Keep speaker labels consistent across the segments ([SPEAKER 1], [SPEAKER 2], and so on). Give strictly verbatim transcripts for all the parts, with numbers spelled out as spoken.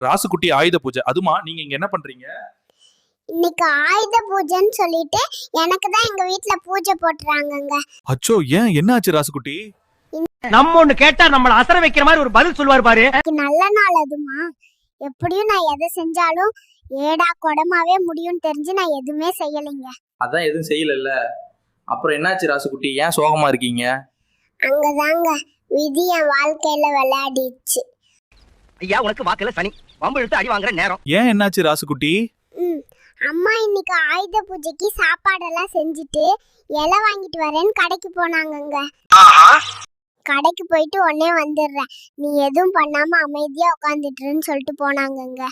[SPEAKER 1] ராசுகுட்டி ஆயுத பூஜை. அதுமா நீங்க இங்க என்ன பண்றீங்க?
[SPEAKER 2] இன்னைக்கு ஆயுத பூஜைன்னு சொல்லிட்டு எனக்கு தான் எங்க வீட்ல பூஜை போட்டுறாங்கங்க.
[SPEAKER 1] அச்சோ, ஏன் என்னாச்சு ராசுகுட்டி?
[SPEAKER 3] நம்ம ஒண்ணு கேட்டா நம்மள அசர வைக்கிற மாதிரி ஒரு பதில் சொல்வார் பாரு.
[SPEAKER 2] நல்ல நாள் அதுமா. எப்படியும் நான் எதை செஞ்சாலும் ஏடா கொடமாவே முடியும்னு தெரிஞ்சு நான் எதுவுமே செய்யலைங்க.
[SPEAKER 4] அதான் எதுவும் செய்யலல்ல, அப்புறம் என்னாச்சு ராசுகுட்டி? ஏன் சோகமா இருக்கீங்க?
[SPEAKER 2] அங்கதாங்க விதி என் வாழ்க்கையில விளையாடிச்சு.
[SPEAKER 3] ஐயா உனக்கு வாக்குல சனி வம்பு இழுத்து அடி வாங்குற நேரம்.
[SPEAKER 1] ஏன் என்னாச்சு ராசுகுட்டி?
[SPEAKER 2] ம் அம்மா இன்னைக்கு ஆயுத பூஜைக்கு சாப்பாடெல்லாம் செஞ்சுட்டு இலை வாங்கிட்டு வரேன்னு கடைக்கு போனாங்கங்க. கடைக்கு போயிட்டு உடனே வந்துடுறேன், நீ எதுவும் பண்ணாம அமைதியா உட்காந்துட்டுன்னு சொல்லிட்டு போனாங்கங்க.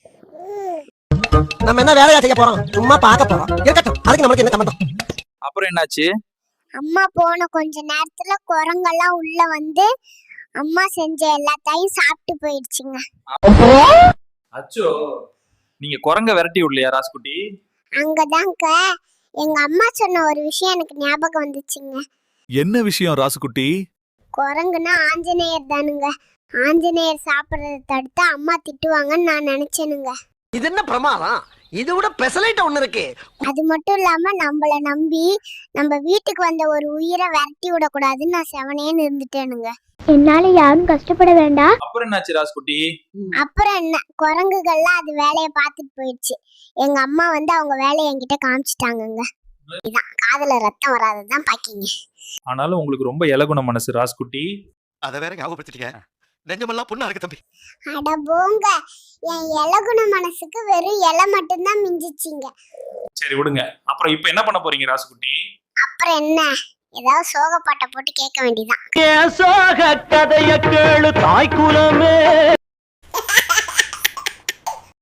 [SPEAKER 5] நம்ம என்ன வேலையா செய்ய போறோம்? சும்மா பார்க்க போறோம். இருக்கட்டும், அதுக்கு நமக்கு என்ன சம்பந்தம்?
[SPEAKER 4] அப்புறம் என்னாச்சு?
[SPEAKER 2] அம்மா போன கொஞ்ச நேரத்துல குரங்கெல்லாம் உள்ள வந்து அம்மா செஞ்ச எல்லாத்தையும் சாப்பிட்டு போயிடுச்சுங்க.
[SPEAKER 4] அச்சோ, நீங்க குரங்க விரட்டி விடலையா ராசுகுட்டி?
[SPEAKER 2] அங்கதாங்க எங்க அம்மா சொன்ன ஒரு விஷயம் எனக்கு ஞாபகம் வந்துச்சுங்க.
[SPEAKER 1] என்ன விஷயம் ராசுகுட்டி?
[SPEAKER 2] குரங்குன்னா ஆஞ்சநேயர் தானுங்க. ஆஞ்சநேயர் சாப்பிட்றத தடுத்து அம்மா திட்டுவாங்கன்னு நான் நினைச்சேனுங்க.
[SPEAKER 5] இது என்ன பிரமாதம்? இது விட பெசலைட் ஒண்ணு இருக்கு.
[SPEAKER 2] அது மட்டும் இல்லாம நம்மள நம்பி நம்ம வீட்டுக்கு வந்த ஒரு உயிரை விரட்டி விடக்கூடாதுன்னு நான் செவனேன்னு இருந்துட்டேனுங்க. என்னால யாரும் கஷ்டப்பட வேண்டாம்.
[SPEAKER 4] அப்புறம் என்னாச்சு ராசுகுட்டி?
[SPEAKER 2] அப்புறம் என்ன, குரங்குகள்லாம் அது வேலையை பார்த்துட்டு போயிடுச்சு. எங்க அம்மா வந்து அவங்க வேலையை என்கிட்ட காமிச்சிட்டாங்கங்க. இதான் காதுல ரத்தம் வராததான் பாக்கிங்க.
[SPEAKER 1] ஆனாலும் உங்களுக்கு ரொம்ப இலகுண மனசு ராசுகுட்டி.
[SPEAKER 6] அத வேற ஞாபகப்படுத்திட்டீங்க. நெஞ்சமெல்லாம் புண்ணா இருக்கு தம்பி.
[SPEAKER 2] அட போங்க, என் இலகுண மனசுக்கு வெறும் இலை மட்டும்தான் மிஞ்சிச்சிங்க.
[SPEAKER 1] சரி விடுங்க. அப்புறம் இப்ப என்ன பண்ண போறீங்க ராசுகுட்டி?
[SPEAKER 2] அப்புறம் என்ன, ஏதாவது சோக பாட்டை போட்டு கேட்க வேண்டியதான்.
[SPEAKER 3] சோக கதைய கேளு தாய் குலமே.